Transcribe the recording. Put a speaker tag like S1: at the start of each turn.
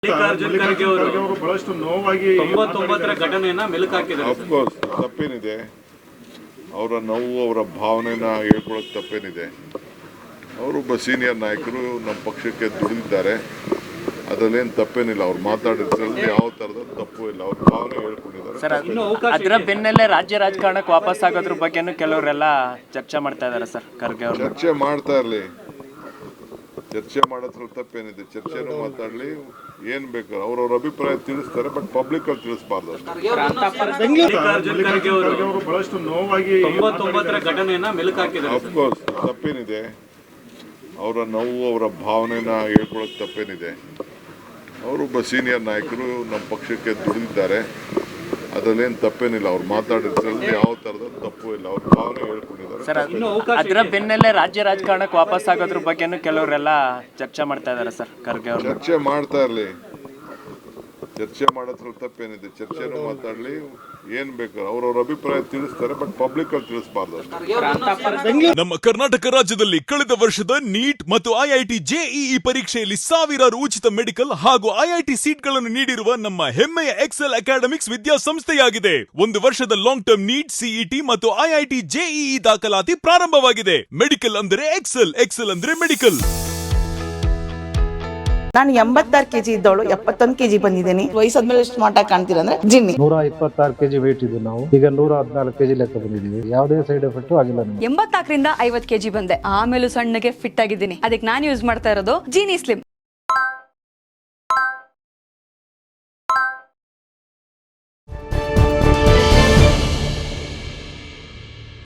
S1: ಮಲ್ಲಿಕಾರ್ಜುನ್ ಖರ್ಗೆ ಅವರು
S2: ಬಹಳಷ್ಟು ನೋವಾಗಿ
S1: 99ರ ಘಟನೆಯನ್ನ ಮೆಲುಕು ಹಾಕಿದ್ದಾರೆ.
S3: ಅಫ್ಕೋರ್ಸ್ ತಪ್ಪೇನಿದೆ, ಅವರ ನೋವು ಅವರ ಭಾವನೆನ ಹೇಳ್ಕೊಳಕ್ಕೆ ತಪ್ಪೇನಿದೆ. ಅವರೊಬ್ಬ ಸೀನಿಯರ್ ನಾಯಕರು ನಮ್ಮ ಪಕ್ಷಕ್ಕೆ ದುಡಿದಿದ್ದಾರೆ, ಅದರಲ್ಲೇನು ತಪ್ಪೇನಿಲ್ಲ. ಅವ್ರು ಮಾತಾಡಿದ್ರಲ್ಲಿ ಯಾವ ಥರದ ತಪ್ಪು ಇಲ್ಲ, ಅವ್ರ ಭಾವನೆ ಹೇಳ್ಕೊಂಡಿದ್ದಾರೆ.
S4: ಅದರ ಬೆನ್ನಲ್ಲೇ ರಾಜ್ಯ ರಾಜಕಾರಣಕ್ಕೆ ವಾಪಸ್ ಆಗೋದ್ರ ಬಗ್ಗೆನೂ ಕೆಲವರೆಲ್ಲ ಚರ್ಚೆ ಮಾಡ್ತಾ ಇದ್ದಾರೆ ಸರ್. ಖರ್ಗೆ ಅವರು
S3: ಚರ್ಚೆ ಮಾಡ್ತಾ ಇರಲಿ, ಚರ್ಚೆ ಮಾಡೋದ್ರಲ್ಲಿ ತಪ್ಪೇನಿದೆ. ಚರ್ಚೆನೂ ಮಾತಾಡಲಿ, ಏನು ಬೇಕು ಅವ್ರವ್ರ ಅಭಿಪ್ರಾಯ ತಿಳಿಸ್ತಾರೆ, ಬಟ್ ಪಬ್ಲಿಕ್ ಅಲ್ಲಿ ತಿಳಿಸಬಾರ್ದು ಅಷ್ಟೇ.
S1: ಮಲ್ಲಿಕಾರ್ಜುನ್ ಖರ್ಗೆ ಅವರು
S2: ಬಹಳಷ್ಟು ನೋವಾಗಿ
S1: 99ರ ಘಟನೆಯನ್ನ ಮೆಲುಕು ಹಾಕಿದ್ದಾರೆ.
S3: ಅಫ್ಕೋರ್ಸ್ ತಪ್ಪೇನಿದೆ, ಅವರ ನೋವು ಅವರ ಭಾವನೆನ ಹೇಳ್ಕೊಳಕ್ಕೆ ತಪ್ಪೇನಿದೆ. ಅವರೊಬ್ಬ ಸೀನಿಯರ್ ನಾಯಕರು ನಮ್ಮ ಪಕ್ಷಕ್ಕೆ ದುಡಿದಿದ್ದಾರೆ, ಅದರಲ್ಲೇನು ತಪ್ಪೇನಿಲ್ಲ. ಅವ್ರು ಮಾತಾಡಿದ್ರಲ್ಲಿ ಯಾವ ಥರದ ತಪ್ಪು ಇಲ್ಲ, ಅವ್ರ ಭಾವನೆ ಹೇಳ್ಕೊಂಡಿದ್ದಾರೆ.
S4: ಸರ್, ಅದರ ಬೆನ್ನಲ್ಲೇ ರಾಜ್ಯ ರಾಜಕಾರಣಕ್ಕೆ ವಾಪಸ್ ಆಗೋದ್ರ ಬಗ್ಗೆನೂ ಕೆಲವರೆಲ್ಲ ಚರ್ಚೆ ಮಾಡ್ತಾ ಇದ್ದಾರೆ ಸರ್. ಖರ್ಗೆ ಅವರು
S3: ಚರ್ಚೆ ಮಾಡ್ತಾ ಇರಲಿ, ಚರ್ಚೆ ಮಾಡೋದ್ರಲ್ಲಿ ತಪ್ಪೇನಿದೆ. ಚರ್ಚೆನೂ ಮಾತಾಡಲಿ, ಏನು ಬೇಕು ಅವ್ರವ್ರ ಅಭಿಪ್ರಾಯ ತಿಳಿಸ್ತಾರೆ, ಬಟ್ ಪಬ್ಲಿಕ್ ಅಲ್ಲಿ ತಿಳಿಸಬಾರ್ದು ಅಷ್ಟೇ.
S5: ನಮ್ಮ ಕರ್ನಾಟಕ ರಾಜ್ಯದಲ್ಲಿ ಕಳೆದ ವರ್ಷದ ನೀಟ್ ಮತ್ತು ಐಐಟಿ ಜೆಇಇ ಪರೀಕ್ಷೆಯಲ್ಲಿ ಸಾವಿರಾರು ಉಚಿತ ಮೆಡಿಕಲ್ ಹಾಗೂ ಐಐಟಿ ಸೀಟ್ಗಳನ್ನು ನೀಡಿರುವ ನಮ್ಮ ಹೆಮ್ಮೆಯ ಎಕ್ಸೆಲ್ ಅಕಾಡೆಮಿಕ್ಸ್ ವಿದ್ಯಾಸಂಸ್ಥೆಯಾಗಿದೆ. ಒಂದು ವರ್ಷದ ಲಾಂಗ್ ಟರ್ಮ್ ನೀಟ್, ಸಿಇಟಿ ಮತ್ತು ಐಐಟಿ ಜೆಇಇ ದಾಖಲಾತಿ ಪ್ರಾರಂಭವಾಗಿದೆ. ಮೆಡಿಕಲ್ ಅಂದ್ರೆ ಎಕ್ಸೆಲ್, ಎಕ್ಸೆಲ್ ಅಂದ್ರೆ ಮೆಡಿಕಲ್.
S6: ನಾನು 86 ಕೆಜಿ ಇದ್ದವಳು 71 ಕೆಜಿ ಬಂದಿದ್ದೀನಿ. ವಯಸ್ಸಾದ್ಮೇಲೆ ಸ್ಮಾರ್ಟ್ ಆಗಿ ಕಾಣ್ತೀರ ಅಂದ್ರೆ ಜಿನ್ನಿ.
S7: 126 ಕೆಜಿ ವೇಟ್ ಇದ್ದು ನಾವು ಈಗ 114 ಕೆಜಿ ಲೆಕ್ಕ ಬಂದಿದ್ದೀವಿ. ಯಾವುದೇ ಸೈಡ್ ಎಫೆಕ್ಟ್ ಆಗಿಲ್ಲ.
S8: 84ರಿಂದ 50 ಕೆಜಿ ಬಂದೆ. ಆಮೇಲೆ ಸಣ್ಣಗೆ ಫಿಟ್ ಆಗಿದ್ದೀನಿ. ಅದಕ್ಕೆ ನಾನು ಯೂಸ್ ಮಾಡ್ತಾ ಇರೋದು ಜೀನಿ ಸ್ಲಿಮ್.